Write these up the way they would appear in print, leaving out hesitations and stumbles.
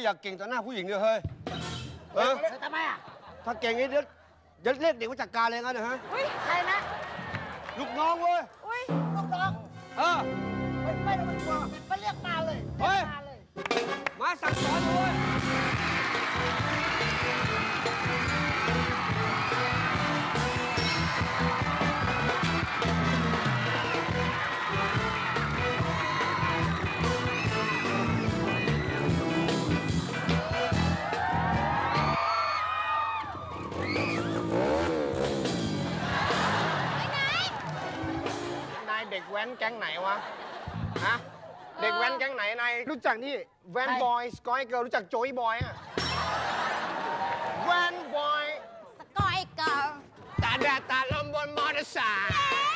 อยากเก่งต่อหน้าผู้หญิงเลยเฮ้ยทำไมอ่ะถ้าเก่งนี้เดี๋ยวเรียกเด็กมาจัดการเลยงั้นนะฮะอุ้ยใครนะลูกน้องเว้ยอุ้ยลูกน้องไม่ต้องกลัวมาเรียกมาเลยมาเลยมาสั่งสอนเลยเด็กแว้นแก๊งไหนวะ ฮะ เด็กแว้นแก๊งไหนนายรู้จักนี่แว้นบอยสกอยเกิร์ลรู้จักโจยบอยอะแว้นบอยสกอยเกิร์ลตาแดดตาลมบนมอเตอร์ไซค์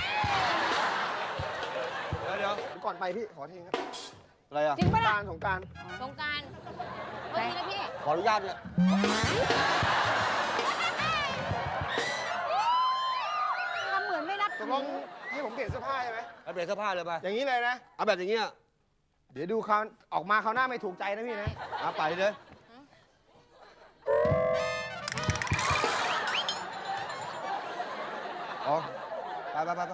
เดี๋ยวก่อนไปพี่ขอทีครับอะไรอ่ะจริงปะล่ะสงกรานต์สงกรานต์เมื่อกี้นะพี่ขออนุญาตเนี่ยทำเหมือนไม่นับตกลงให้ผมเปลี่ยนเสื้อผ้าใช่ไหมเอาเปลี่ยนเสื้อผ้าเลยไปอย่างนี้เลยนะเอาแบบอย่างเงี้ยเดี๋ยวดูเขาออกมาเขาหน้าไม่ถูกใจนะพี่นะเอาไปเลยอ๋อไป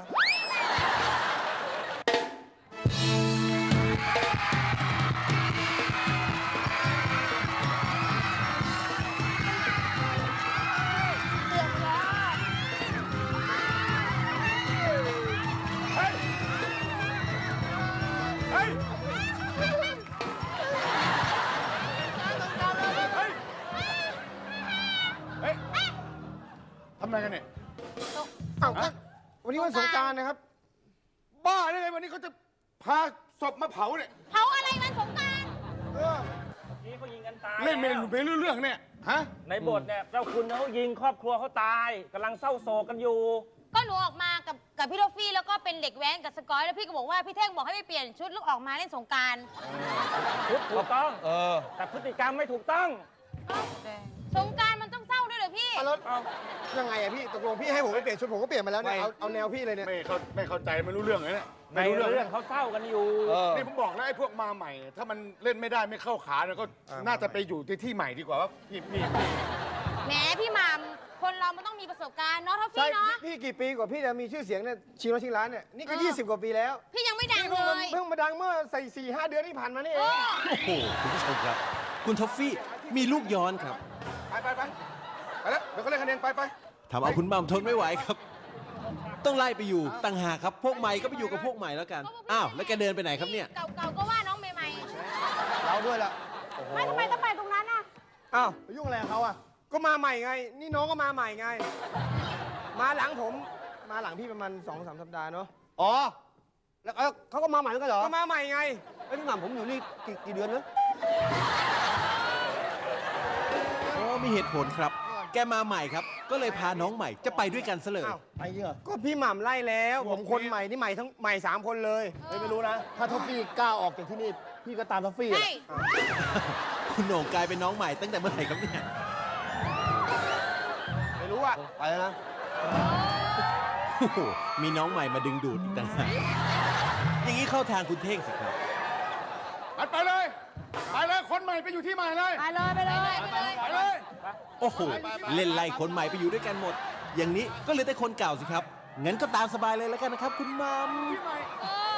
ทำอะไรกันเนี่ยอ้าววันนี้วันสงกรานต์นะครับ บ้าได้ไงวันนี้เขาจะพาศพมาเผาเนี่ยเผาอะไรวันสงกรานต์นี่เขายิงกันตายเล่นเรื่องเนี่ยฮะในบทเนี่ยเจ้าคุณเขายิงครอบครัวเขาตายกำลังเศร้าโศกกันอยู่ก็หนูออกมากับพี่โทฟี่แล้วก็เป็นเด็กแว้นกับสกอยแล้วพี่ก็บอกว่าพี่เท่งบอกให้ไปเปลี่ยนชุดแล้วออกมาเล่นสงกรานต์ชุดถูกต้องแต่พฤติกรรมไม่ถูกต้องสงกรานต์มันต้องเศร้าด้วยเหรอพี่แล้วยังไงอะพี่ตกลงพี่ให้ผมไปเปลี่ยนชุดผมก็เปลี่ยนมาแล้วเนี่ยเอาแนวพี่เลยเนี่ยไม่เข้าใจไม่รู้เรื่องเลยเนี่ยในเรื่องเขาเศร้ากันอยู่นี่ผมบอกแล้วไอ้พวกมาใหม่ถ้ามันเล่นไม่ได้ไม่เข้าขาเนี่ยก็น่าจะไปอยู่ที่ใหม่ดีกว่าว่าพี่แหมพี่หม่ำคนเรามันต้องมีประสบการณ์เนาะท็อฟฟี่เนาะพี่กี่ปีกว่าพี่จะมีชื่อเสียงเนี่ยชิงร้านชิงร้านเนี่ยนี่ก็20 กว่าปีแล้วพี่ยังไม่ดังเลยเพิ่งมาดังเมื่อใส่4-5 เดือนที่ผ่านมานี่เองโอ้โหคุณผู้ชมครับคุณท็อฟฟี่มีลูกย้อนครับไปแล้วเดี๋ยวเขาเล่นคะแนนไปทำเอาคุณหม่ำทนไม่ไหวครับต้องไล่ไปอยู่ต่างหากครับพวกใหม่ก็ไปอยู่กับพวกใหม่แล้วกันอ้าวแล้วแกเดินไปไหนครับเนี่ยเก่าก็ว่าน้องใหม่เราด้วยล่ะไม่ทำไมต้องไปตรงนั้นน่ะอ้าวไปยุ่งอะไรกับเขาอ่ะก็มาใหม่ไงนี่น้องก็มาใหม่ไงมาหลังผมมาหลังพี่ประมาณ2-3 สัปดาห์เนาะอ๋อแล้วเขาก็มาใหม่กันเหรอก็มาใหม่ไงไอ้พี่หม่ำผมอยู่นี่กี่เดือนนะโอ้มีเหตุผลครับแกมาใหม่ครับก็เลยพาน้องใหม่จะไปด้วยกันซะเลยไปเยอะก็พี่หม่ำไล่แล้วผมคนใหม่นี่ใหม่ทั้งใหม่3 คนเลยไม่รู้นะถ้าท็อฟฟี่กล้าออกจากที่นี่พี่ก็ตามท็อฟฟี่คุณโหน่งกลายเป็นน้องใหม่ตั้งแต่เมื่อไหร่ครับเนี่ยไม่รู้อะไปแล้วนะมีน้องใหม่มาดึงดูดอีกต่างหากอย่างนี้เข้าทางคุณเท่งสิครับไปเลยคนใหม่ไปอยู่ที่ใหม่เลยไปเลยโอ้โหเล่นไล่คนใหม่ไปอยู่ด้วยกันหมดอย่างนี้ก็เหลือแต่คนเก่าสิครับงั้นก็ตามสบายเลยแล้วกันนะครับคุณมัม